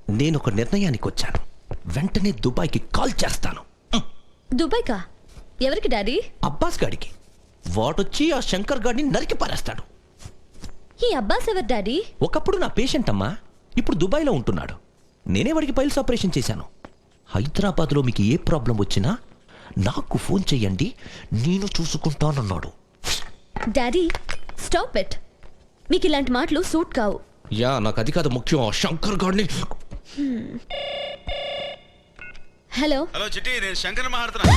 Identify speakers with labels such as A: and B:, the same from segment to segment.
A: నేను ఒక నిర్ణయానికి వచ్చాను. వెంటనే దుబాయ్కి కాల్ చేస్తాను.
B: దుబాయ్కా? ఎవరికి డాడీ?
A: అబ్బాస్ గాడికి. వాడొచ్చి ఆ శంకర్ గాడిని నరికి పారేస్తాడు.
B: ఈ అబ్బాస్ ఎవరు డాడీ?
A: ఒకప్పుడు నా పేషెంట్ అమ్మా, ఇప్పుడు దుబాయ్లో ఉంటున్నాడు. నేనే వాడికి పైల్స్ ఆపరేషన్ చేశాను. హైదరాబాద్లో మీకు ఏ ప్రాబ్లం వచ్చినా నాకు ఫోన్ చెయ్యండి, నేను చూసుకుంటానన్నాడు.
B: Daddy stop it. మీకు ఇలాంటి మాటలు సూట్ కావు.
A: యా, నాకు అది కాదు ముఖ్యం. ఆ శంకర్ గాడిని.
B: హలో
C: హలో చిట్టి, నేను శంకర్ మాట్లాడుతున్నా.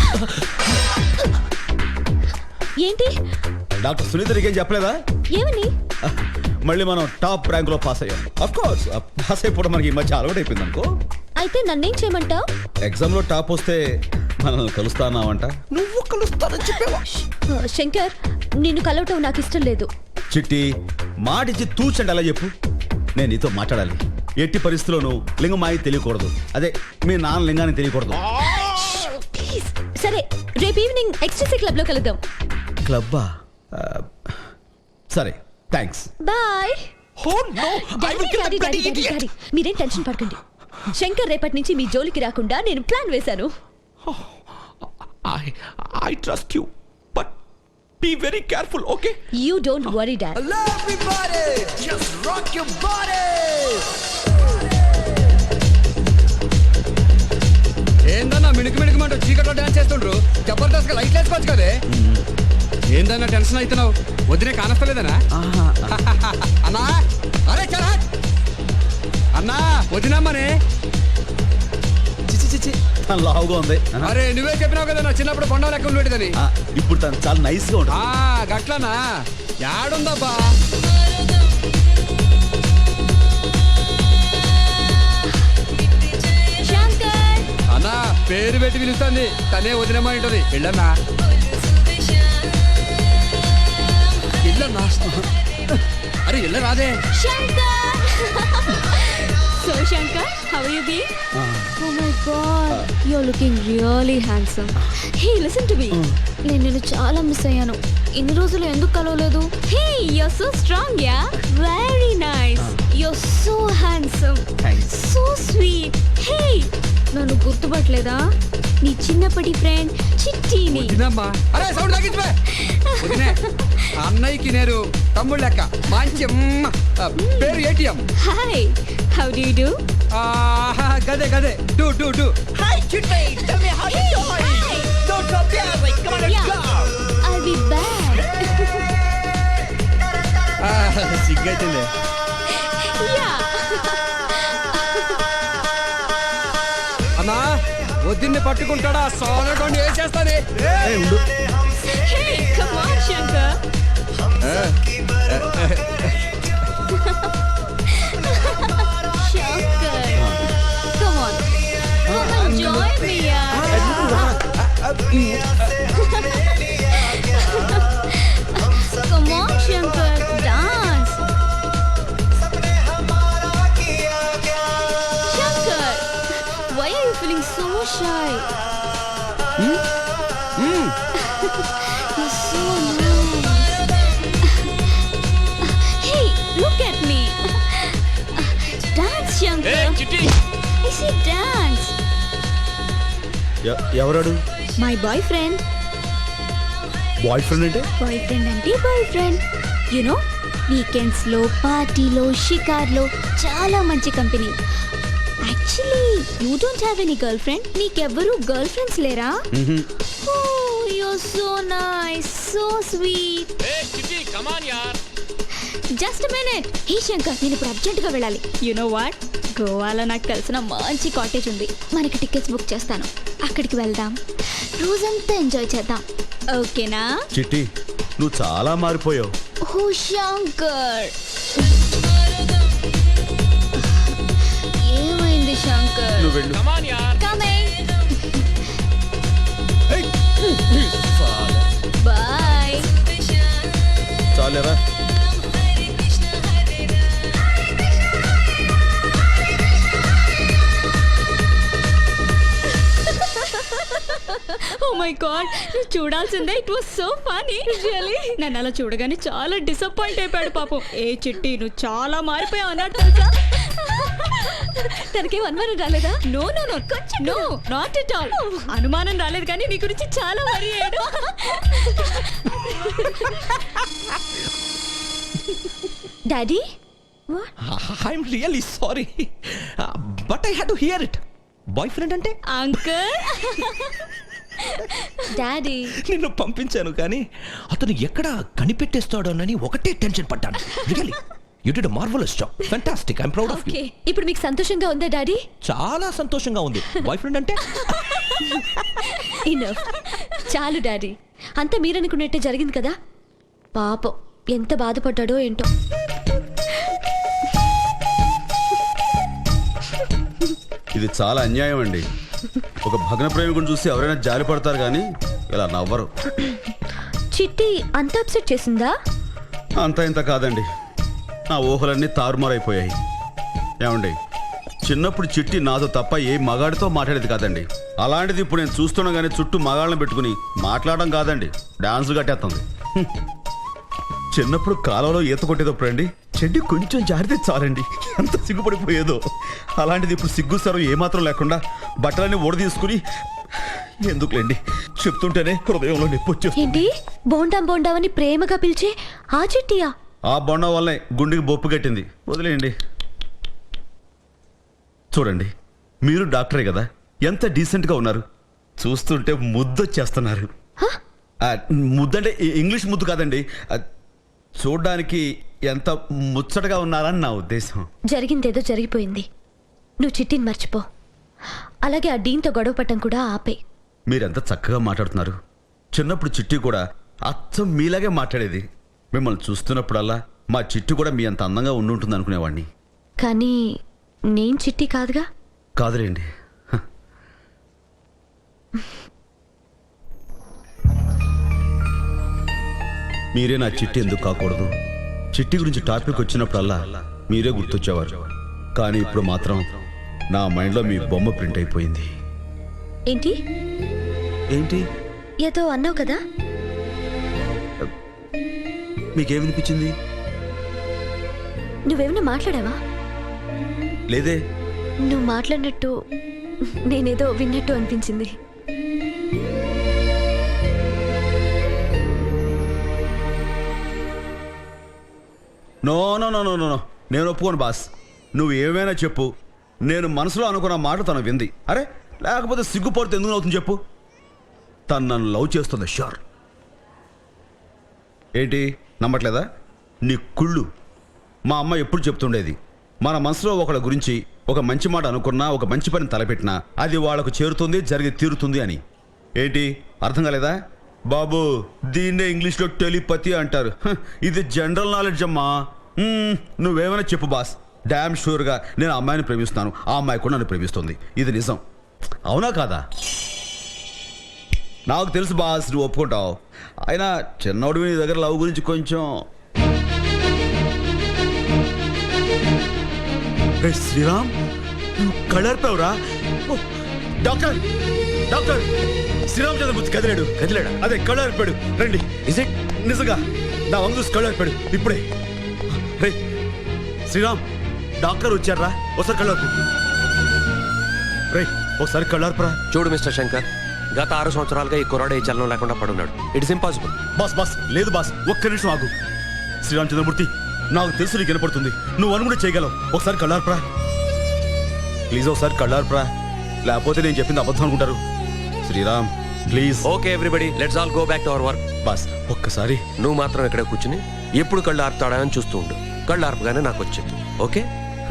B: ఏంటి?
D: డాక్టర్ సునీత ఏం చెప్పలేదా?
B: ఏమని?
D: మళ్ళీ మనం టాప్ ర్యాంక్ లో పాస్ అయ్యాం. అఫ్ కోర్స్ పాస్ అయిపోవడం మనకి ఈ మధ్య అలవాటు అయిపోయింది అనుకో.
B: అయితే నన్నేం చేయమంటావు?
D: ఎగ్జామ్ లో టాప్ వస్తే మనల్ని కలుస్తానావంట.
A: నువ్వు కలుస్తానని చెప్పేవా?
B: శంకర్, నిన్ను కలవటం నాకు ఇష్టం లేదు.
D: చిట్టి మాటిచ్చి తూచండి అలా చెప్పు. నేను నీతో మాట్లాడాలి. ఎట్టి పరిస్థితుల్లోనూ లింగమాయి తెలియకూడదు. అదే మీ నాన్న లింగాన్ని తెలియకూడదు.
B: ప్లీజ్. సరే, రేపు ఈవినింగ్ ఎక్స్ట్రీసీ క్లబ్ లో కలుద్దాం.
D: క్లబ్బా? సరే, thanks.
B: Bye.
A: Oh no! I will kill the bloody idiot!
B: మీరేం టెన్షన్ పడకండి. శంకర్ రేపటి నుంచి మీ జోలికి రాకుండా నేను ప్లాన్ వేశాను.
A: I trust you, but be very careful, okay?
B: You don't worry, Dad.
E: Hello everybody, just rock your body.
F: ఏందన్నా మిణుకు చీకట్లో డాన్స్ చేస్తుండ్రు? జబర్దస్త్ గా లైట్ వేసుకోవచ్చు కదే. ఏందన్నా టెన్షన్ అవుతున్నావు? వదిలే కానస్తలేదనా? అన్నా అరే చలా అన్నా, వదినమ్మనే.
D: చిచి తను లావుగా ఉంది.
F: అరే నువ్వే చెప్పినావు కదా నా చిన్నప్పుడు కొండ లెక్క ఉండేదని.
D: ఇప్పుడు తను చాలా నైస్ గా ఉంటుంది.
F: గట్లనా? యాడుందబ్బా?
B: శంకర్
F: అన్నా పేరు పెట్టి పిలుస్తుంది, తనే వదినమ్మని ఉంటుంది. వెళ్ళన్నా వెళ్ళన్నా. అరే వెళ్ళ రాదే.
B: Shankar! So Shankar, how are you being? Oh my God, you're looking really handsome. Hey, listen to me. నేను నిన్ను చాలా మిస్ అయ్యాను. ఇన్ని రోజులు ఎందుకు కలవలేదు? Hey, you're so strong, yeah? Very nice. You're so handsome.
D: Thanks.
B: So sweet. Hey, నన్ను గుర్తుపట్టలేదా? నీ చిన్నప్పటి ఫ్రెండ్ చిట్టిని.
F: వదినమ్మా. అరే సౌండ్ తగ్గించే. వదినే, అన్నయ్యకి నేను తమ్ముడు లెక్క. మంచి పేరు ATM.
B: Hi, how do you do?
F: గదే గదే do do do.
E: Hi Chitti, tell me how you doing. Don't stop dancing, come on, let's go.
B: I'll be back.
F: సిగ్గైతుందే.
B: Yeah.
F: అన్నా వదిన్ని పట్టుకుంటాడా? సోనకొని ఏం చేస్తానే?
B: Hey, come on, Shankar. Shankar, come on. Come and join me, yaar. Come on, Shankar, dance. Shankar, why are you feeling so shy? You're so nice. Hey, look at me. Dance, Shankar.
A: Hey, Chitti!
B: I see dance.
D: ఎవరాడు?
B: My boyfriend.
D: Boyfriend అంటే?
B: Boyfriend అంటే boyfriend. You know, weekends లో పార్టీలో షికార్లో చాలా మంచి company. Actually, you don't have any girlfriend? నీకెవ్వరూ girlfriends లేరా? Oh, you're so nice, so sweet.
A: Hey, Chitti, come on, yaar.
B: Just minute. హే శంకర్, నేను ఇప్పుడు అర్జెంటుగా వెళ్ళాలి. యు నో వాట్, గోవాలో నాకు తెలిసిన మంచి కాటేజ్ ఉంది. మనకి టికెట్స్ బుక్ చేస్తాను. అక్కడికి వెళ్దాం, రోజంతా ఎంజాయ్ చేద్దాం. ఓకేనా?
D: చిట్టి నువ్వు చాలా మారిపోయావు.
B: ఓ శంకర్, ఏమైంది శంకర్?
D: నువ్వు వెళ్ళు.
A: Come on, yaar.
B: Coming. Bye.
D: చాలేరా?
B: ఓ మై గాడ్, నువ్వు చూడాల్సిందే. It was so funny. Really నన్ను అలా చూడగానే చాలా డిసప్పాయింట్ అయిపోయాడు పాపం. ఏ చిట్టి, నువ్వు చాలా మారిపోయావు అన్నట్టు తెలుసా? తనకేం అనుమానం రాలేదా? నో నో నో కొంచెం నో నాట్ ఎట్ ఆల్. అనుమానం రాలేదు కానీ నీ గురించి చాలా వరి అయ్యాడు. Daddy
A: I'm really sorry but I had to hear it. Boyfriend అంటే
B: అంకుల్ డాడీ
A: నిన్ను పంపించాను కానీ అతను ఎక్కడ కనిపెట్టేస్తాడోనని ఒకటే టెన్షన్ పడ్డాను. Really you did a marvellous job. Fantastic. I'm proud of you.
B: Okay ఇప్పుడు మీకు సంతోషంగా ఉందా డాడీ?
A: చాలా సంతోషంగా ఉంది. బాయ్ ఫ్రెండ్ అంటే
B: ఇనఫ్ చాలు డాడీ. అంతా మీరనుకున్నట్టే జరిగింది కదా. పాపం ఎంత బాధపడ్డాడో ఏంటో.
D: ఇది చాలా అన్యాయం అండి. ఒక భగ్న ప్రేమికుని చూసి ఎవరైనా జాలి పడతారు కానీ ఇలా నవ్వరు.
B: చిట్టి అంత అప్సెట్ చేసిందా?
D: అంత ఇంత కాదండి, నా ఊహలన్నీ తారుమారైపోయాయి. ఏమండి, చిన్నప్పుడు చిట్టి నాతో తప్ప ఏ మగాడితో మాట్లాడేది కాదండి. అలాంటిది ఇప్పుడు నేను చూస్తుండగానే చుట్టూ మగాళ్ళని పెట్టుకుని మాట్లాడడం కాదండి, డాన్స్ కట్టేస్తుంది. చిన్నప్పుడు కాలంలో ఈత కొట్టేటప్పుడు అండి చెడ్డి కొంచెం జారితే చాలండి ఎంత సిగ్గుపడిపోయేదో. అలాంటిది ఇప్పుడు సిగ్గు సరం ఏమాత్రం లేకుండా బట్టలన్నీ ఊడ తీసుకుని ఎందుకులేండి చెప్తుంటేనే హృదయంలో నొప్పి వచ్చేస్తుంది.
B: ఏంటి బోండాం బోండావని ప్రేమగా పిలిచే ఆ చిట్టియా?
D: ఆ బొండం వల్లే గుండెకి బొప్పు కట్టింది. వదిలేయండి. చూడండి, మీరు డాక్టరే కదా, ఎంత డీసెంట్గా ఉన్నారు. చూస్తుంటే ముద్దొచ్చేస్తున్నారు. ముద్దంటే ఇంగ్లీష్ ముద్దు కాదండి, చూడ్డానికి ఎంత ముచ్చటగా ఉన్నారని నా ఉద్దేశం.
B: జరిగిందేదో జరిగిపోయింది. నువ్వు చిట్టిని మర్చిపో. అలాగే ఆ డీన్తో గొడవ పట్టం కూడా ఆపే.
D: మీరెంత చక్కగా మాట్లాడుతున్నారు. చిన్నప్పుడు చిట్టి కూడా అచ్చం మీలాగే మాట్లాడేది. మిమ్మల్ని చూస్తున్నప్పుడల్లా మా చిట్టి కూడా మీ అంత అందంగా ఉండుంటుంది అనుకునేవాడిని.
B: కానీ నేను చిట్టి కాదుగా.
D: కాదులేండి. మీరే నా చిట్టి ఎందుకు కాకూడదు? చిట్టి గురించి టాపిక్ వచ్చినప్పుడల్లా మీరే గుర్తొచ్చేవారు. కానీ ఇప్పుడు మాత్రం నా మైండ్లో మీ బొమ్మ ప్రింట్ అయిపోయింది.
B: ఏంటి
D: ఏంటి
B: ఏదో అన్నావు కదా?
D: మీకేమనిపించింది?
B: నువ్వేమైనా మాట్లాడావా?
D: లేదే.
B: నువ్వు మాట్లాడినట్టు నేనేదో విన్నట్టు అనిపించింది.
D: No no no no no నేను ఒప్పుకోను బాస్. నువ్వు ఏమైనా చెప్పు, నేను మనసులో అనుకున్న మాట తను వింది. అరే లేకపోతే సిగ్గుపడితే ఎందుకు అవుతుంది చెప్పు? తను నన్ను లవ్ చేస్తుంది షూర్. ఏంటి నమ్మట్లేదా? నీ కుళ్ళు. మా అమ్మ ఎప్పుడు చెప్తుండేది, మన మనసులో ఒకళ్ళ గురించి ఒక మంచి మాట అనుకున్నా, ఒక మంచి పని తలపెట్టినా అది వాళ్ళకు చేరుతుంది, జరిగి తీరుతుంది అని. ఏంటి అర్థం కాలేదా? బాబు దీన్నే ఇంగ్లీష్లో టెలిపతి అంటారు. ఇది జనరల్ నాలెడ్జ్ అమ్మా. నువ్వేమైనా చెప్పు బాస్, డ్యామ్ షూర్గా నేను ఆ అమ్మాయిని ప్రేమిస్తున్నాను, ఆ అమ్మాయి కూడా నన్ను ప్రేమిస్తుంది. ఇది నిజం. అవునా కాదా? నాకు తెలుసు బాస్, నువ్వు ఒప్పుకుంటావు. అయినా చిన్నోడు నీ దగ్గర లవ్ గురించి కొంచెం. శ్రీరామ్ నువ్వు కళ్ళర్పావురా. డాక్టర్ డాక్టర్ శ్రీరామచంద్రమూర్తి కదిలాడు.
A: కదిలాడా?
D: అదే కళ్ళర్పాడు. రండి.
A: ఇస్ ఇట్
D: నిజంగా నా వంగు చూసి కళ్ళర్పాడు ఇప్పుడే. రే శ్రీరామ్, డాక్టర్ వచ్చారా? ఒకసారి కళ్ళర్పు. రే ఒకసారి కళ్ళర్పరా.
G: చూడు మిస్టర్ శంకర్, గత 6 సంవత్సరాలుగా ఈ కుర్రాడు ఈ చలనం లేకుండా పడున్నాడు. It's impossible.
D: బాస్ బాస్ లేదు బాస్, ఒక్క నిమిషం ఆగు. శ్రీరామచంద్రమూర్తి నాకు తెలుసు నీకు వినపడుతుంది, నువ్వు అని కూడా చేయగలవు. ఒకసారి కళ్ళార్పరా ప్లీజ్, ఒకసారి కళ్ళార్పరా, లేకపోతే నేను చెప్పింది అబద్ధం అనుకుంటారు. Sriram please.
G: Okay everybody, let's all go back to our work.
D: Boss ఒక్కసారి.
G: నువ్వు మాత్రం ఇక్కడ కూర్చుని ఎప్పుడు కళ్ళు ఆర్పుతాడా అని చూస్తూ ఉండు. కళ్ళు ఆర్పగానే నాకు వచ్చింది. ఓకే?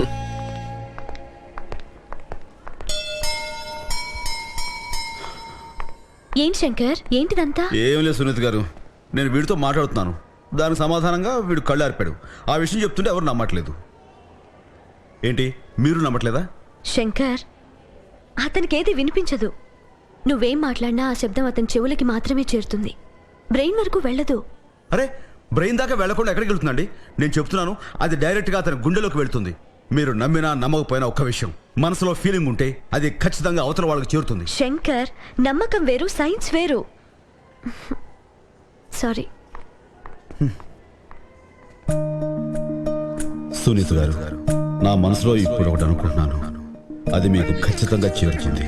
B: ఏంటి శంకర్, ఏంటిదంతా?
D: ఏం లేదు సునీత్ గారు, నేను వీడితో మాట్లాడుతున్నాను, దానికి సమాధానంగా వీడు కళ్ళు ఆర్పాడు. ఆ విషయం చెప్తుంటే ఎవరు నమ్మట్లేదు. ఏంటి మీరు నమ్మట్లేదా?
B: శంకర్, అతనికి ఏది వినిపించదు. నువ్వేం మాట్లాడినా ఆ శబ్దం అతని చెవులకి మాత్రమే చేరుతుంది, బ్రెయిన్ వరకు వెళ్ళదు.
D: అరే బ్రెయిన్ దాకా వెళ్లకుండా ఎక్కడికి వెళ్తుందండి? నేను చెప్తున్నాను, అది డైరెక్ట్గా అతని గుండెలోకి వెళ్తుంది. మీరు నమ్మినా నమ్మకపోయినా ఒక్క విషయం, మనసులో ఫీలింగ్ ఉంటే అది ఖచ్చితంగా అవతల వాళ్ళకి చేరుతుంది.
B: శంకర్, నమ్మకం వేరు, సైన్స్ వేరు. సారీ.
D: సునీత్ గారు, నా మనసులో ఇప్పుడు ఒకటి అనుకుంటున్నాను. అది మీకు ఖచ్చితంగా చేరుతుంది.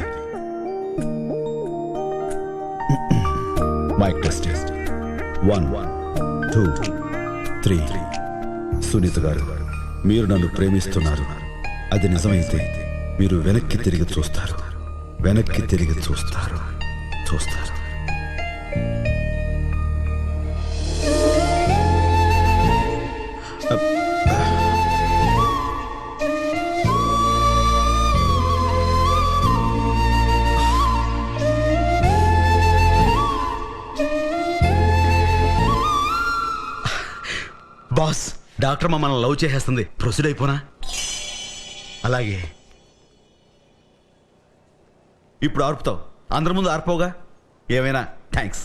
D: Mic test 1 2 3. సునీత గారు, మీరు నన్ను ప్రేమిస్తున్నారు. అది నిజమైతే మీరు వెనక్కి తిరిగి చూస్తారు. వెనక్కి తిరిగి చూస్తారు. బాస్, డాక్టర్ మమ్మల్ని లవ్ చేసేస్తుంది. ప్రొసీడ్ అయిపోనా? అలాగే. ఇప్పుడు ఆర్పుతావు, అందరి ముందు ఆర్పవుగా. ఏమైనా థ్యాంక్స్.